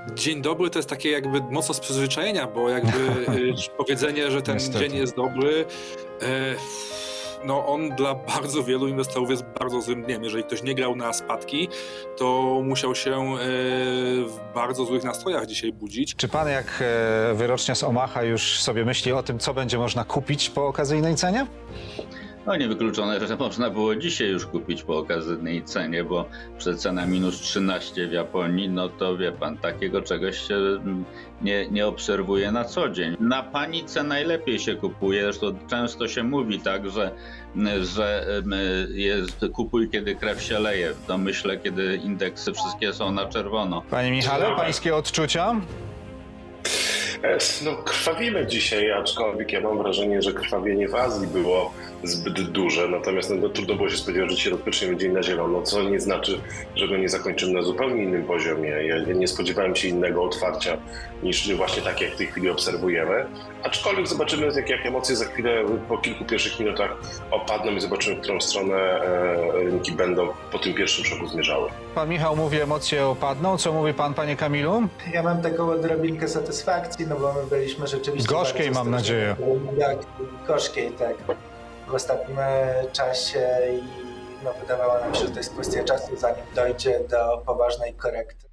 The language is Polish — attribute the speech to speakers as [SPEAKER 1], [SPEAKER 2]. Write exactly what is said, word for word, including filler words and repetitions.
[SPEAKER 1] Dzień dobry to jest takie jakby mocno z przyzwyczajenia, bo jakby y, powiedzenie, że ten
[SPEAKER 2] Niestety.
[SPEAKER 1] dzień jest dobry, e, no on dla bardzo wielu inwestorów jest bardzo złym dniem. Jeżeli ktoś nie grał na spadki, to musiał się e, w bardzo złych nastrojach dzisiaj budzić.
[SPEAKER 2] Czy pan jak e, wyrocznia z Omaha już sobie myśli o tym, co będzie można kupić po okazyjnej cenie?
[SPEAKER 3] No niewykluczone, że można było dzisiaj już kupić po okazyjnej cenie, bo przecena minus trzynaście w Japonii, no to wie pan, takiego czegoś się nie, nie obserwuje na co dzień. Na panice najlepiej się kupuje, zresztą często się mówi tak, że, że jest, kupuj kiedy krew się leje, w domyśle kiedy indeksy wszystkie są na czerwono.
[SPEAKER 2] Panie Michale, pańskie odczucia?
[SPEAKER 4] No, krwawimy dzisiaj, aczkolwiek ja mam wrażenie, że krwawienie w Azji było zbyt duże, natomiast no, trudno było się spodziewać, że dzisiaj rozpoczniemy dzień na zielono, co nie znaczy, że go nie zakończymy na zupełnie innym poziomie. Ja nie spodziewałem się innego otwarcia niż właśnie tak, jak w tej chwili obserwujemy, aczkolwiek zobaczymy, jak, jak emocje za chwilę po kilku pierwszych minutach opadną i zobaczymy, w którą stronę e, rynki będą po tym pierwszym szoku zmierzały.
[SPEAKER 2] Pan Michał mówi, emocje opadną. Co mówi pan, panie Kamilu?
[SPEAKER 5] Ja mam taką odrobinkę satysfakcji, no bo my byliśmy rzeczywiście...
[SPEAKER 2] Gorzkiej,
[SPEAKER 5] bardzo
[SPEAKER 2] mam nadzieję.
[SPEAKER 5] Tak, gorzkiej, tak. W ostatnim czasie i no, wydawało nam się, że to jest kwestia czasu, zanim dojdzie do poważnej korekty.